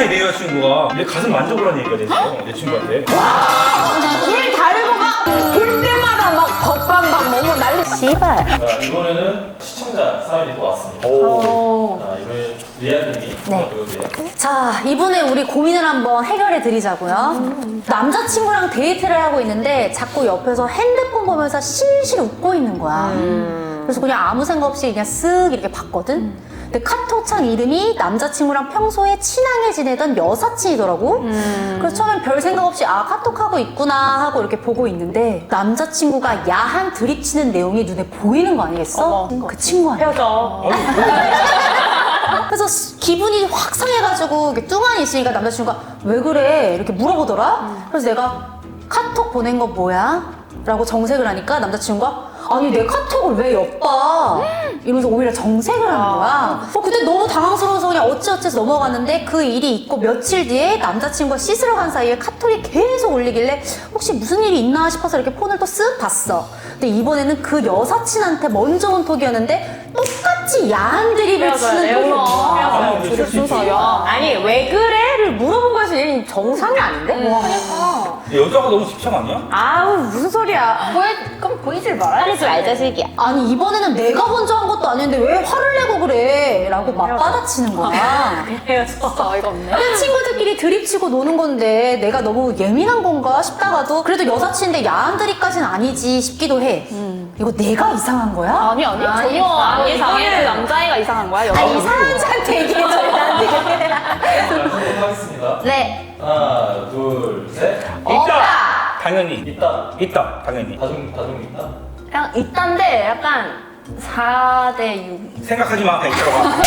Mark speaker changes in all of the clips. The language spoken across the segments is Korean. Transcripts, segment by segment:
Speaker 1: 이상해 내 여자친구가. 내 가슴 만져보라는 얘기가 됐어 내 친구한테.
Speaker 2: 술 다르고 막 볼 때마다 막 겉방방 너무 난리. 씨발.
Speaker 3: 자, 이번에는 시청자 사연이 또 왔습니다.
Speaker 1: 오.
Speaker 3: 자, 이번에 리아님이 보여주세요.
Speaker 4: 자, 이번에 우리 고민을 한번 해결해 드리자고요. 남자친구랑 데이트를 하고 있는데 자꾸 옆에서 핸드폰 보면서 실실 웃고 있는 거야. 그래서 그냥 아무 생각 없이 그냥 쓱 이렇게 봤거든. 근데 카톡창 이름이 남자친구랑 평소에 친하게 지내던 여사친이더라고. 그래서 처음엔 별 생각 없이 아 카톡하고 있구나 하고 이렇게 보고 있는데 남자친구가 야한 드립치는 내용이 눈에 보이는 거 아니겠어? 그 친구한테.
Speaker 2: 헤어져.
Speaker 4: 그래서 기분이 확 상해가지고 이렇게 뚱하니 있으니까 남자친구가 왜 그래? 이렇게 물어보더라. 그래서 내가 카톡 보낸 거 뭐야? 라고 정색을 하니까 남자친구가 아니 내 카톡을 왜 엿봐? 이러면서 오히려 정색을 하는 거야. 그때 너무 당황스러워서 그냥 어찌어찌해서 넘어갔는데 그 일이 있고 며칠 뒤에 남자친구가 씻으러 간 사이에 카톡이 계속 울리길래 혹시 무슨 일이 있나 싶어서 이렇게 폰을 또 쓱 봤어. 근데 이번에는 그 여사친한테 먼저 온 톡이었는데 똑같이 야한 드립을 치는 톡이 온 거야.
Speaker 2: 순서야. 아니 왜 그래를 물어본 것이 얘는 정상이 아닌데?
Speaker 1: 여자가 너무 집착 아니야?
Speaker 2: 아우 무슨 소리야.
Speaker 4: 그럼 보이질 말아야
Speaker 2: 하지 말자 새끼야.
Speaker 4: 아니 이번에는 내가 먼저 한 것도 아닌데 왜 화를 내고 그래? 라고 맞받아치는 거야.
Speaker 2: 헤어졌어. 어이가 없네.
Speaker 4: 그냥 친구들끼리 드립치고 노는 건데 내가 너무 예민한 건가 싶다가도 그래도 여사친인데 야한 드립까지는 아니지 싶기도 해. 이거 내가 이상한 거야?
Speaker 2: 아니 전혀 안 이상해. 그 남자애가 이상한 거야.
Speaker 4: 아니 이상한 자한테 얘기해줘 나한테.
Speaker 3: 자, 시작하겠습니다.
Speaker 4: 네.
Speaker 3: 하나, 둘, 셋.
Speaker 1: 있다. 당연히
Speaker 3: 있다.
Speaker 1: 있다. 당연히.
Speaker 3: 다중 있다.
Speaker 5: 그냥 있단데 약간 4대 6.
Speaker 1: 생각하지 마. 그냥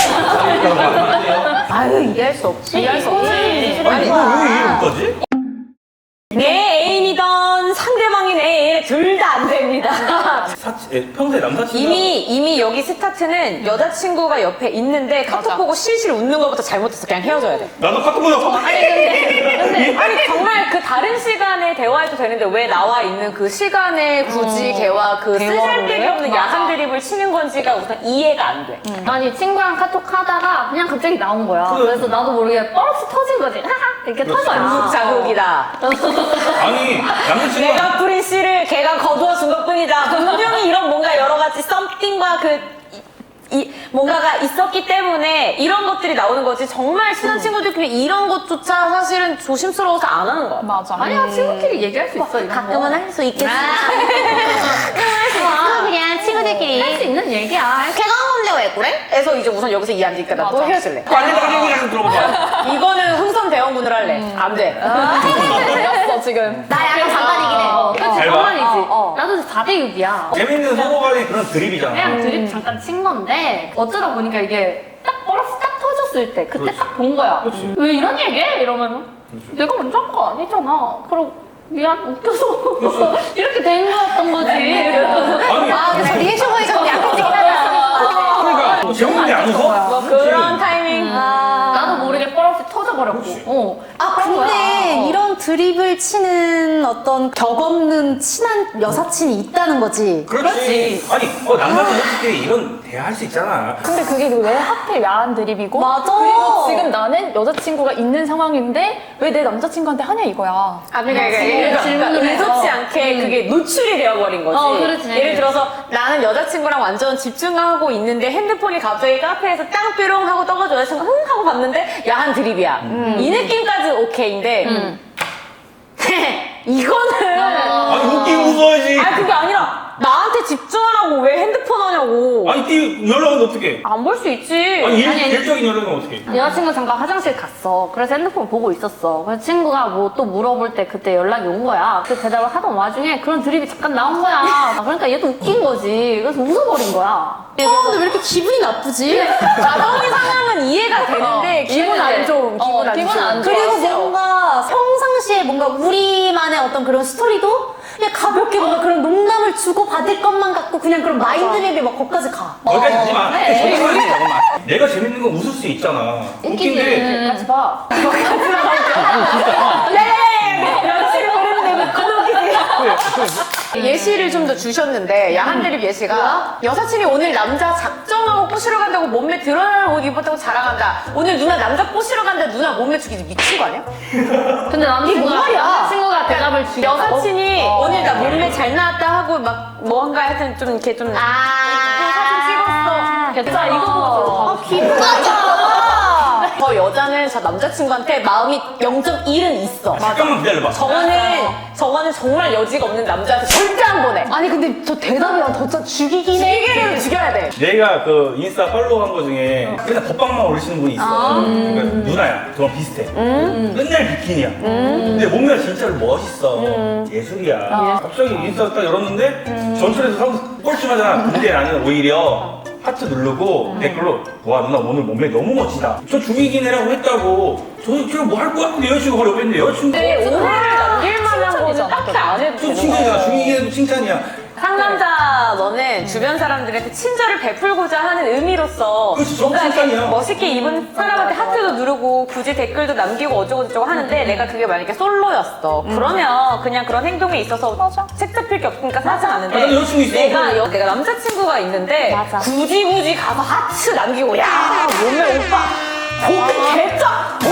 Speaker 1: 들어가.
Speaker 4: 아유 이해할 수 없지.
Speaker 2: 이해할 수 없지.
Speaker 1: 아니 이거 왜 이해 못하지?
Speaker 2: 내 애인이던 상대방인 내 애인 둘 다 안 됩니다.
Speaker 1: 평소에 남사친
Speaker 2: 이미 여기 스타트는 여자친구가 옆에 있는데 카톡 보고 실실 웃는 것부터 잘못했어. 그냥 헤어져야 돼.
Speaker 1: 나도 카톡 보내고
Speaker 2: 아니 정말 그 다른 시간에 대화해도 되는데 왜 나와 있는 그 시간에 굳이 걔와 그 쓰잘데기 없는 야한 드립을 치는 건지가 우선 이해가 안 돼.
Speaker 5: 아니 친구랑 카톡 하다가 그냥 갑자기 나온 거야. 그래서 나도 모르게 버스 터진 거지. 하하 이렇게 터져.
Speaker 2: 중국 자극이다.
Speaker 1: 아니 남자친구가
Speaker 2: 내가 뿌린 씨를 걔가 거두어 준 것뿐이다. 분명히 이런 뭔가 여러 가지 썸띵과 뭔가가 있었기 때문에 이런 것들이 나오는 거지. 정말 친한 친구들끼리 이런 것조차 사실은 조심스러워서 안 하는 거야.
Speaker 5: 맞아. 아니야 친구끼리 얘기할 수 있어. 이런
Speaker 4: 가끔은
Speaker 5: 거.
Speaker 4: 할 수 있겠지.
Speaker 5: 그냥 친구들끼리 할 수 있는 얘기야.
Speaker 2: 걔가 혼내 왜 그래? 해서 이제 우선 여기서 이해 안 되니까 나 또 헤어질래.
Speaker 1: 아니 들어봐.
Speaker 2: 이거는 흥선 대원군을 할래. 안 돼.
Speaker 5: 틀렸어 지금.
Speaker 4: 나 약간 장난이긴 해.
Speaker 5: 그치
Speaker 1: 잘 봐.
Speaker 5: 장난이지. 나도 4대 6이야.
Speaker 1: 재밌는 서로 간의 그런 드립이잖아.
Speaker 5: 그냥 드립 잠깐 친 건데 어쩌다 보니까 이게 딱 버러스 딱 터졌을 때 그때 딱 본 거야. 왜 이런 얘기해? 이러면 내가 먼저 한 거 아니잖아. 그럼 미안 웃겨서 이렇게 된 거였던 거지.
Speaker 1: 아니
Speaker 4: 아 그래서 리액션 보니까 좀 약해지긴 하다.
Speaker 1: 그러니까 재밌는데 안 웃어?
Speaker 2: 그런 타이밍.
Speaker 5: 나도 모르게 버러스 터져버렸고.
Speaker 4: 아 근데 이런 드립을 치는 어떤 격 없는 친한 여사친이 있다는 거지.
Speaker 1: 그렇지. 아니 남자도 솔직히 이런 대화할 수 있잖아.
Speaker 6: 근데 그게 왜 하필 야한 드립이고
Speaker 4: 맞아.
Speaker 6: 그리고 지금 나는 여자친구가 있는 상황인데 왜 내 남자친구한테 하냐 이거야.
Speaker 5: 아 그러니까
Speaker 2: 질문을 의도치 않게 그게 노출이 되어버린 거지.
Speaker 5: 그렇지.
Speaker 2: 예를 들어서 나는 여자친구랑 완전 집중하고 있는데 핸드폰이 갑자기 카페에서 땅삐롱 하고 떠가지고 여자친구가 흥 하고 봤는데 야한 드립이야. 이 느낌까지 오케이인데 이거는
Speaker 1: 아니 웃긴 웃어야지.
Speaker 2: 아니 그게 아니라 나한테 집중하라고 왜 핸드폰 하냐고.
Speaker 1: 아니 연락은 어떻게?
Speaker 2: 안 볼 수 있지.
Speaker 1: 아니 일적인 연락은 어떻게?
Speaker 5: 여자친구 잠깐 화장실 갔어. 그래서 핸드폰 보고 있었어. 그래서 친구가 뭐 또 물어볼 때 그때 연락이 온 거야. 그 대답을 하던 와중에 그런 드립이 잠깐 나온 거야. 그러니까 얘도 웃긴 거지. 그래서 웃어버린 거야.
Speaker 4: 근데 왜 이렇게 기분이 나쁘지?
Speaker 2: 나동의 상황은 이해가 되는데 기분 안 좋음. 기분 안 좋아.
Speaker 4: 그리고 뭔가 평상시에 뭔가 우리만의 어떤 그런 스토리도 그냥 가볍게 뭔가 그런 농담을 주고 받을 것만 같고 그냥 그런 마인드맵이 막 거기까지 가.
Speaker 1: 거기까지 가지 마. 잠깐만. 내가 재밌는 건 웃을 수 있잖아. 웃긴데
Speaker 5: 같이 봐.
Speaker 2: 네! 여자친구 그랬는데 왜 그러기지? 예시를 좀 더 주셨는데 야한드립 예시가 여사친이 오늘 남자 작정하고 꼬시러 간다고 몸매 드러나는 옷 입었다고 자랑한다. 오늘 누나 남자 꼬시러 간다. 누나 몸매 죽이지 미친 거 아니야?
Speaker 5: 근데 남자친구가 대답을 주겠다.
Speaker 2: 여사친이 오늘 나 몸매 잘 나왔다 하고 막 뭔가 하여튼 좀 이렇게 좀 사진 찍었어.
Speaker 5: 진짜 이거 보고
Speaker 2: 저 여자는 저 남자친구한테 마음이 0.1은 있어.
Speaker 1: 잠깐만 기다려봐.
Speaker 2: 저거는 정말 여지가 없는 남자한테 절대 안 보내.
Speaker 4: 아니 근데 저 대답이랑 더 죽이긴 해.
Speaker 2: 시계를 죽여야 돼.
Speaker 1: 내가 그 인스타 팔로우한 거 중에 맨날 법방만 올리시는 분이 있어. 그러니까 누나야. 저랑 비슷해. 맨날 비키니야. 근데 몸매가 진짜로 멋있어. 예술이야. 갑자기 인스타 딱 열었는데 전철에서 사람 뻘쭘하잖아. 근데 나는 오히려 하트 누르고 댓글로 와 누나 오늘 몸매 너무 멋지다. 저 죽이긴 해라고 했다고. 제가 뭐 할 거야? 근데 여자친구가 옆에 있는데 여자친구
Speaker 2: 오해를 남길 만한 거는 딱히 안 해도
Speaker 1: 또
Speaker 2: 되는
Speaker 1: 칭찬이잖아.
Speaker 2: 거야.
Speaker 1: 죽이긴 해도 칭찬이야.
Speaker 2: 상남자 너는 주변 사람들한테 친절을 베풀고자 하는 의미로서
Speaker 1: 그렇지,
Speaker 2: 뭔가 이렇게
Speaker 1: 칭찬이야.
Speaker 2: 멋있게 입은 사람한테 하트도 누르고 굳이 댓글도 남기고 어쩌고저쩌고 하는데 내가 그게 만약에 솔로였어. 그러면 그냥 그런 행동에 있어서 책 잡힐 게 없으니까 사지 않는데
Speaker 1: 나도 여자친구 있어.
Speaker 2: 내가 남자친구가 있는데 굳이 가서 하트 남기고 야 몸매 오빠 고기 개쩍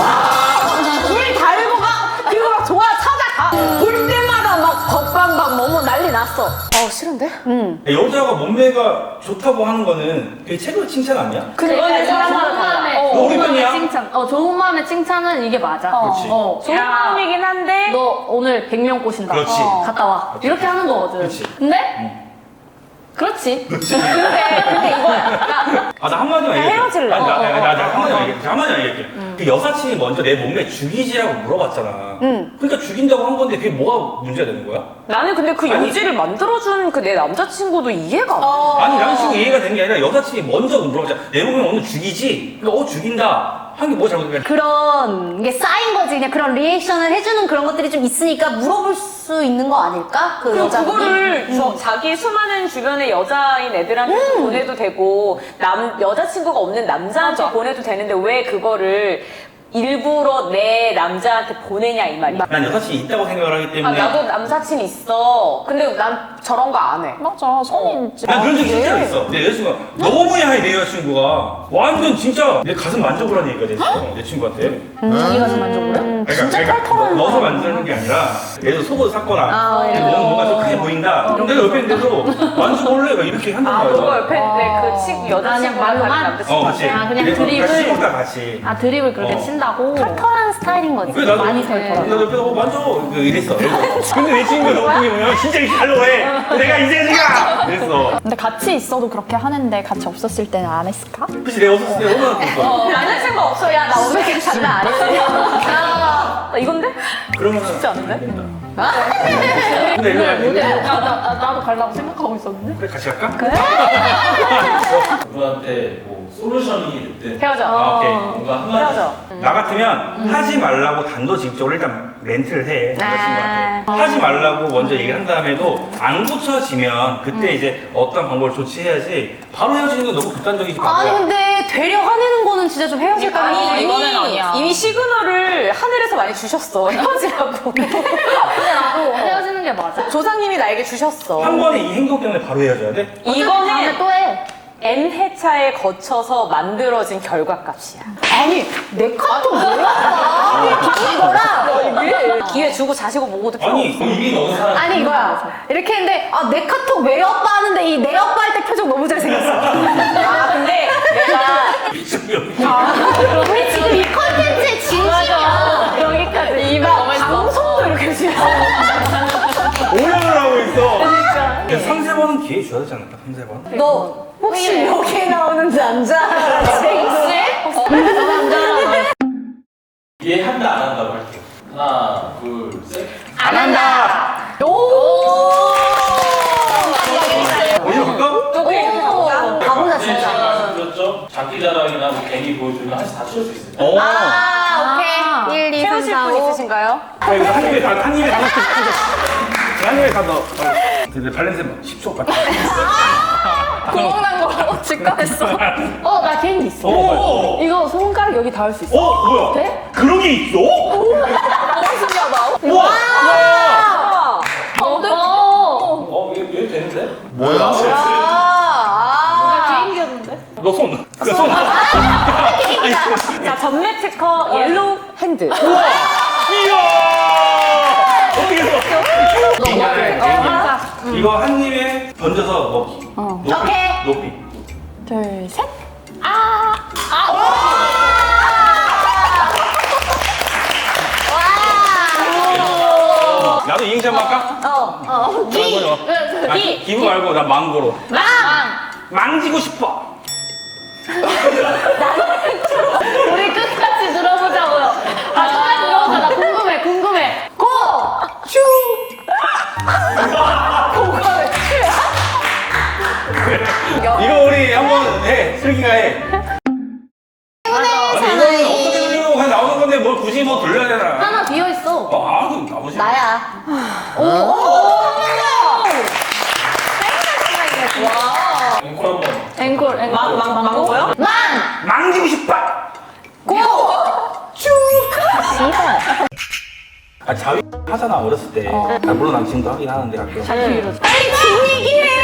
Speaker 2: 와 우리 달고 가 그리고 막 좋아 찾아가 볼 때마다 막 덕방 막 너무 난리 났어. 싫은데?
Speaker 1: 여자가 몸매가 좋다고 하는 거는 그게 최고의 칭찬 아니야?
Speaker 2: 그거는 사람마다
Speaker 5: 좋은
Speaker 2: 달라.
Speaker 5: 마음에
Speaker 1: 우리 편이야?
Speaker 5: 칭찬. 좋은 마음의 칭찬은 이게 맞아.
Speaker 1: 그렇지.
Speaker 2: 좋은
Speaker 5: 야,
Speaker 2: 마음이긴 한데
Speaker 5: 너 오늘 100명 꼬신다.
Speaker 1: 그렇지.
Speaker 5: 갔다 와. 이렇게 하는 거거든.
Speaker 1: 그렇지.
Speaker 5: 근데 그렇지.
Speaker 2: 근데 이거야.
Speaker 1: 아, 나 한마디만 얘기해.
Speaker 2: 헤어질래.
Speaker 1: 아니, 나 한마디만 얘기해. 한마디만 얘기해. 그 여사친이 먼저 내 몸매 죽이지라고 물어봤잖아. 그러니까 죽인다고 한 건데 그게 뭐가 문제가 되는 거야?
Speaker 2: 나는 근데 그 여지를 만들어준 그 내 남자친구도 이해가 안 돼.
Speaker 1: 아니, 남친구 이해가 되는 게 아니라 여사친이 먼저 물어봤잖아. 내 몸매 오늘 죽이지? 그러니까 죽인다. 한 게 뭐가 잘못된 거야?
Speaker 4: 그런 게 쌓인 거지. 그냥 그런 리액션을 해주는 그런 것들이 좀 있으니까 물어볼 수 있는 거 아닐까? 그
Speaker 2: 그리고
Speaker 4: 여자분이.
Speaker 2: 그거를 자기 수많은 주변의 여자인 애들한테 보내도 되고 여자친구가 없는 남자한테 보내도 되는데 왜 그거를 일부러 내 남자한테 보내냐 이 말이야.
Speaker 1: 난 여사친이 있다고 생각을 하기 때문에.
Speaker 2: 나도 남사친 있어. 근데 난 저런 거 안 해.
Speaker 6: 맞아, 성인 있지.
Speaker 1: 난 그런 적이 실제로 있어. 내 여자친구가 너무 야해, 내 여자친구가. 완전 진짜 내 가슴 만져보라는 얘기가 됐어, 내 친구한테.
Speaker 6: 자기 가슴 만져보래?
Speaker 1: 그러니까 넣어서 만드는 게 아니라 예를 들어 속옷 샀거나 너무 뭔가 좀 크게 보인다. 그럼 내가 옆에 있는데도 만져볼래? 막 이렇게 한단 말이야.
Speaker 2: 그거 옆에 내 여자친구랑
Speaker 5: 말로만?
Speaker 2: 남자친구.
Speaker 1: 같이.
Speaker 5: 그냥
Speaker 1: 그래서
Speaker 5: 드립을?
Speaker 1: 같이 씹었다, 같이.
Speaker 5: 드립을 그렇게 친다고?
Speaker 4: 털털한 스타일인 거지.
Speaker 1: 그래, 나도
Speaker 5: 많이 털털하고.
Speaker 1: 나 옆에서 만져 이랬어. 근데 내 친구가 너무 크게 보면 진짜 이렇게 하려고 해. 내가 이제지가 이랬어.
Speaker 6: 근데 같이 있어도 그렇게 하는데 같이 없었을 때는 안 했을까?
Speaker 1: 그치, 내가 없었을 때 얼마나 그랬어.
Speaker 2: 남자친구 없어. 야, 나 오늘 계속 장난 안 했어. 나 이건데?
Speaker 1: 그러면은 쉽지
Speaker 2: 않은데?
Speaker 1: 근데 일로 갈게.
Speaker 5: 나도 가려고 생각하고 있었는데.
Speaker 1: 그래, 같이 갈까?
Speaker 3: 그분한테 뭐 솔루션이 됐든
Speaker 2: 헤어져.
Speaker 1: 아, 오케이.
Speaker 3: 뭔가 한마디
Speaker 2: 헤어져.
Speaker 1: 나 같으면 하지 말라고 단도직입적으로 일단 멘트를 해. 남자친구한테. 하지 말라고 먼저 얘기를 한 다음에도 안 고쳐지면 그때 이제 어떤 방법을 조치해야지 바로 헤어지는 건 너무 극단적이지.
Speaker 4: 아니 근데 되려 화내는 거는 진짜 좀 헤어질 거 아니야.
Speaker 6: 이거는 아니야.
Speaker 2: 이미 시그널을 하늘에서 많이 주셨어. 헤어지라고.
Speaker 5: 근데 나도 헤어지는 게 맞아.
Speaker 2: 조상님이 나에게 주셨어.
Speaker 1: 한 번에 이 행동 때문에 바로 헤어져야 돼?
Speaker 5: 다음에
Speaker 2: 이거는
Speaker 5: 또 해.
Speaker 2: N회차에 거쳐서 만들어진 결과값이야.
Speaker 4: 아니 내 카톡 뭐야? 이거랑
Speaker 2: 기회 주고 자시고 보고도 필요
Speaker 1: 아니,
Speaker 2: 없어.
Speaker 3: 이미 너무 사람
Speaker 4: 아니 이거야. 이렇게 했는데 내 카톡 왜 오빠 하는데 이 내 오빠 할 때 표정 너무 잘생겼어.
Speaker 2: 근데 내가
Speaker 4: 우리 지금 이 컨텐츠의 진심이야.
Speaker 2: 여기까지 이막 방송도 이렇게 지어.
Speaker 1: 오해를 하고 있어. 그러니까. 3-4번은 기회 줘야 되지 않을까? 3-4번?
Speaker 4: 너 혹시 여기 나오는 남자
Speaker 3: 이해한다 안 한다고 할게요. 하나, 둘, 셋.
Speaker 2: 안 한다.
Speaker 1: 어디로 갈까?
Speaker 4: 가보자
Speaker 3: 네,
Speaker 4: 진짜.
Speaker 3: 제가 말씀드렸죠. 장기 자랑이나 뭐 괜히 보여주면 한시 다 치울 수 있습니다.
Speaker 4: 오케이. 1, 2, 3,
Speaker 2: 채우실
Speaker 4: 4,
Speaker 2: 분
Speaker 4: 5.
Speaker 2: 있으신가요?
Speaker 1: 자, 이거 한 입에 다 넣어서. 한 입에 다 넣어. 근데 발냄새 10초 같아.
Speaker 6: 구멍 난 거 직감했어.
Speaker 5: 나 개인기 있어.
Speaker 1: 오!
Speaker 5: 이거 손가락 여기 닿을 수 있어.
Speaker 1: 뭐야?
Speaker 5: 돼?
Speaker 1: 그런 게 있어?
Speaker 6: 너무 신기하다.
Speaker 1: 우와!
Speaker 2: 아,
Speaker 5: 어.
Speaker 1: 뭐야?
Speaker 5: 개인기였는데?
Speaker 1: 너 손. 그 손.
Speaker 2: 자, 전매 특허 옐로우
Speaker 6: 핸드.
Speaker 1: 이야! 어떻게 했어? 이거 한 입에 던져서 먹기. 높이.
Speaker 2: 오케이.
Speaker 1: 높이.
Speaker 6: 둘, 셋.
Speaker 1: 나도 이행시 한번 할까? 기부 말고 나 망고로. 망지고 싶어.
Speaker 5: 우리 끝까지 들어보자고요. 끝까지 들어보자. 나 궁금해. 고!
Speaker 1: 이거 우리 한번 해. 슬기가 해. 아니, 이거는 어떻게 들리려고 그냥 나오는 건데 뭘 굳이 뭐 돌려야 되나?
Speaker 5: 하나 비어있어.
Speaker 1: 그럼 나오지.
Speaker 4: 나야.
Speaker 3: 앵콜 한번.
Speaker 5: 앵콜.
Speaker 2: 망고요?
Speaker 1: 망지고 싶어. 자위 하잖아 어렸을 때. 물론 난 지금도 하긴 하는데 가끔.
Speaker 2: 빨리 긴 얘기해요.